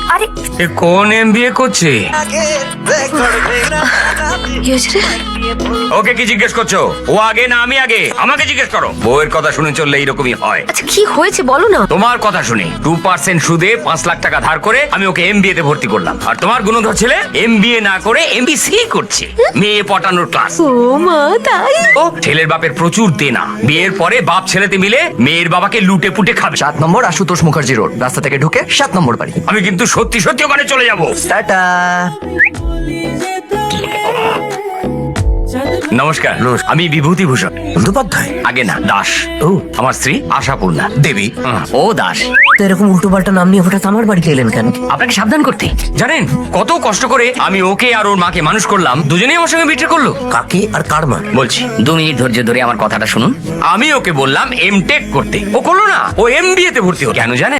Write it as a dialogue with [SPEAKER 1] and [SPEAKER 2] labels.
[SPEAKER 1] আরে
[SPEAKER 2] এ কোন এমবিএ করছে?
[SPEAKER 1] কি হয়েছে রে?
[SPEAKER 2] ওকে কি জিজ্ঞেস করছো? ও আগে না আমি আগে? আমাকে জিজ্ঞেস করো। বউয়ের কথা শুনে চললে এইরকমই হয়।
[SPEAKER 1] আচ্ছা কি হয়েছে বলো না।
[SPEAKER 2] তোমার কথা শুনে 2% সুদে 5 লাখ টাকা ধার করে আমি ওকে এমবিএ তে ভর্তি করলাম, আর তোমার গুণধর ছেলে এমবিএ না করে এমবিসি করছে। মেয়ে পটানোর ক্লাস।
[SPEAKER 1] ও মা তাই?
[SPEAKER 2] ও ছেলের বাপের প্রচুর দেনা, বিয়ের পরে বাপ ছেলেতে মিলে মেয়ের বাবাকে লুটে পুটে খাবে।
[SPEAKER 3] 7 নম্বর আশুতোষ মুখার্জি রোড, রাস্তা থেকে ঢুকে 7 নম্বর বাড়ি।
[SPEAKER 2] আমি কিন্তু সত্যি সত্যি ওখানে চলে যাব।
[SPEAKER 3] টাটা।
[SPEAKER 2] নমস্কার, আমি বিভূতিভূষণ
[SPEAKER 3] বন্দ্যোপাধ্যায়?
[SPEAKER 2] আগে না দাস।
[SPEAKER 3] ও
[SPEAKER 2] আমার স্ত্রী আশাপূর্ণা
[SPEAKER 3] দেবী।
[SPEAKER 2] ও দাস।
[SPEAKER 3] তো এরকম উল্টো পাল্টা নাম নিয়ে হঠাৎ আমার বাড়িতে এলেন কেন?
[SPEAKER 2] আপনাকে সাবধান করতে। জানেন কত কষ্ট করে আমি ওকে আর ওর মাকে মানুষ করলাম, দুজনেই আমার সঙ্গে বিট্রে করলো।
[SPEAKER 3] কাকে আর কার মা?
[SPEAKER 2] বলছি 2 মিনিট ধৈর্য ধরে আমার কথাটা শুনুন। আমি ওকে বললাম এমটেক করতে, ও করলো না, ও এমবিএ তে ভর্তি হলো। কেন জানেন?